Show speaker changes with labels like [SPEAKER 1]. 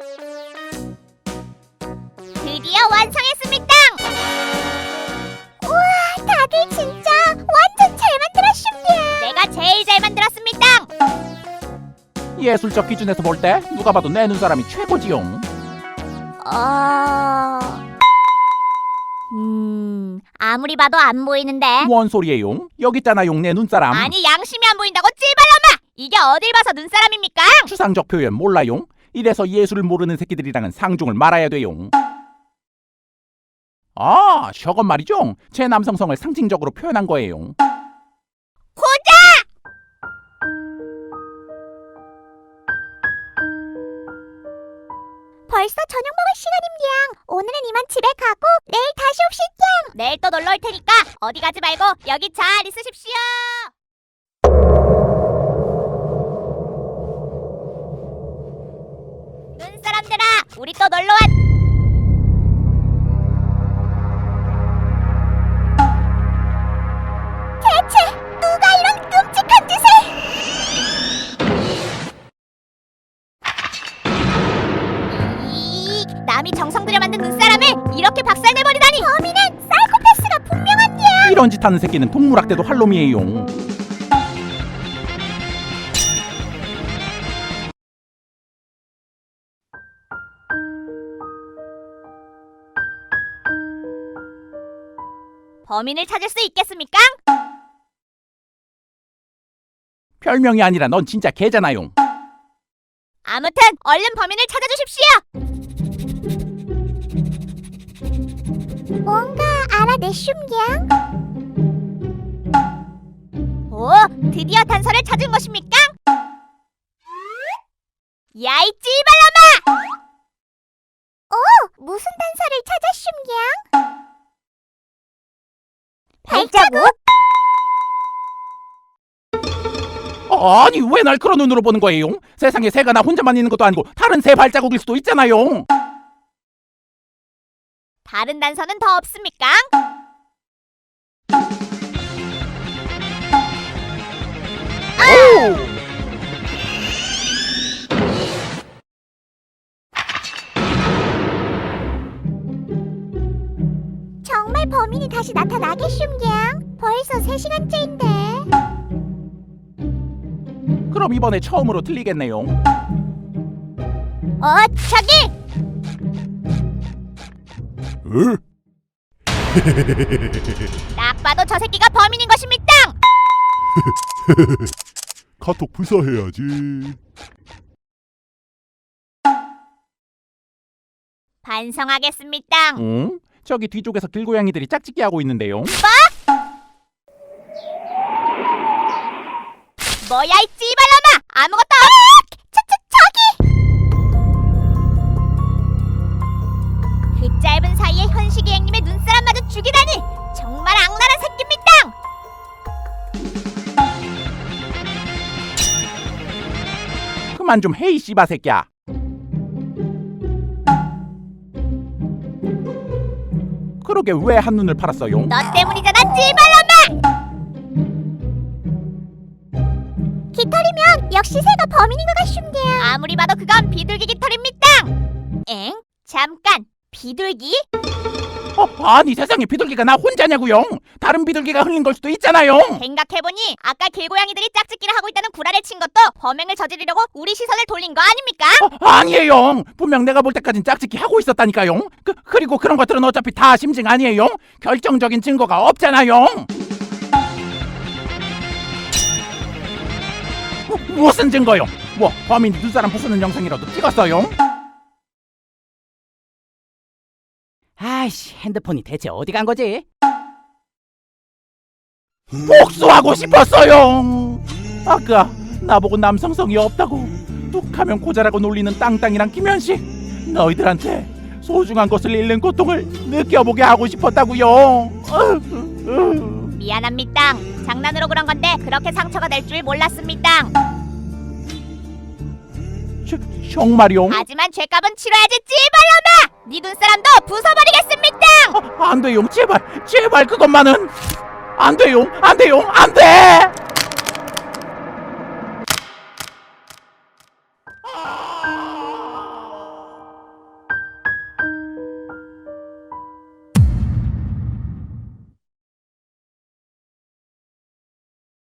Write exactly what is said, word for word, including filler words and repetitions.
[SPEAKER 1] 드디어 완성했습니다. 우와, 다들 진짜 완전 잘 만들었습니다. 내가 제일 잘 만들었습니다.
[SPEAKER 2] 예술적 기준에서 볼 때 누가 봐도 내 눈사람이 최고지용.
[SPEAKER 1] 어... 음... 아무리 봐도 안 보이는데.
[SPEAKER 2] 뭔 소리예용? 여기 있잖아용 내 눈사람.
[SPEAKER 1] 아니, 양심이 안 보인다고 찌발놈아! 이게 어딜 봐서 눈사람입니까?
[SPEAKER 2] 추상적 표현 몰라용? 이래서 예술을 모르는 새끼들이랑은 상종을 말아야 돼용. 아, 저건 말이죠. 제 남성성을 상징적으로 표현한 거예요.
[SPEAKER 1] 고자! 벌써 저녁 먹을 시간입니다. 오늘은 이만 집에 가고 내일 다시 옵시다. 내일 또 놀러 올 테니까 어디 가지 말고 여기 잘 있으십시오. 눈사람들아, 우리 또 놀러 왔. 대체 누가 이런 끔찍한 짓을? 이 남이 정성 들여 만든 눈사람을 이렇게 박살내버리다니! 범인은 사이코패스가 분명한데요.
[SPEAKER 2] 이런 짓 하는 새끼는 동물학대도 할 놈이에요.
[SPEAKER 1] 범인을 찾을 수 있겠습니까?
[SPEAKER 2] 별명이 아니라 넌 진짜 개잖아용.
[SPEAKER 1] 아무튼 얼른 범인을 찾아주십시오. 뭔가 알아내슌냥? 오, 드디어 단서를 찾은 것입니까? 야이 찌발놈아! 오, 무슨 단서를 찾았슌냥? 발자국?
[SPEAKER 2] 아니 왜 날 그런 눈으로 보는 거예요? 세상에 새가 나 혼자만 있는 것도 아니고 다른 새 발자국일 수도 있잖아요.
[SPEAKER 1] 다른 단서는 더 없습니까?
[SPEAKER 2] 오!
[SPEAKER 1] 정말 범인이 다시 나타나겠슌냥? 벌써 세 시간째인데.
[SPEAKER 2] 그럼 이번에 처음으로 틀리겠네요.
[SPEAKER 1] 어, 저기!
[SPEAKER 3] 어?
[SPEAKER 1] 딱 봐도 저 새끼가 범인인 것입니다!
[SPEAKER 3] 카톡 불사해야지.
[SPEAKER 1] 반성하겠습니다.
[SPEAKER 2] 응? 저기 뒤쪽에서 길고양이들이 짝짓기 하고 있는데요.
[SPEAKER 1] 뭐야 이 찌발놈아! 아무것도 없! 저, 저, 저기! 그 짧은 사이에 현식이 형님의 눈사람마저 죽이다니! 정말 악랄한 새끼입니다!
[SPEAKER 2] 그만 좀 해 이 씨바 새끼야. 그러게 왜 한눈을 팔았어요?
[SPEAKER 1] 너 때문이잖아 찌발놈아! 깃털이면 역시 새가 범인인 것 같습니다. 아무리 봐도 그건 비둘기 깃털입니다. 엥? 잠깐, 비둘기?
[SPEAKER 2] 어, 아니 세상에 비둘기가 나 혼자냐고요? 다른 비둘기가 흘린 걸 수도 있잖아요.
[SPEAKER 1] 생각해보니 아까 길고양이들이 짝짓기를 하고 있다는 구라를 친 것도 범행을 저지르려고 우리 시선을 돌린 거 아닙니까?
[SPEAKER 2] 어, 아니에요. 분명 내가 볼 때까진 짝짓기 하고 있었다니까요. 그, 그리고 그런 것들은 어차피 다 심증 아니에요. 결정적인 증거가 없잖아요. 뭐, 무슨 증거요? 뭐 범인이 눈사람 부수는 영상이라도 찍었어요?
[SPEAKER 4] 아이씨, 핸드폰이 대체 어디 간 거지?
[SPEAKER 2] 복수하고 싶었어요. 아까 나보고 남성성이 없다고 뚝하면 고자라고 놀리는 땅땅이랑 김현식, 너희들한테 소중한 것을 잃는 고통을 느껴보게 하고 싶었다고요.
[SPEAKER 1] 미안합니다. 장난으로 그런 건데 그렇게 상처가 될 줄 몰랐습니다.
[SPEAKER 2] 저, 정말요?
[SPEAKER 1] 하지만 죄값은 치러야지 찌발놈아! 네 눈사람도 부숴버리겠습니다!
[SPEAKER 2] 아, 안 돼요. 제발 제발 그것만은 안 돼요. 안 돼요. 안 돼.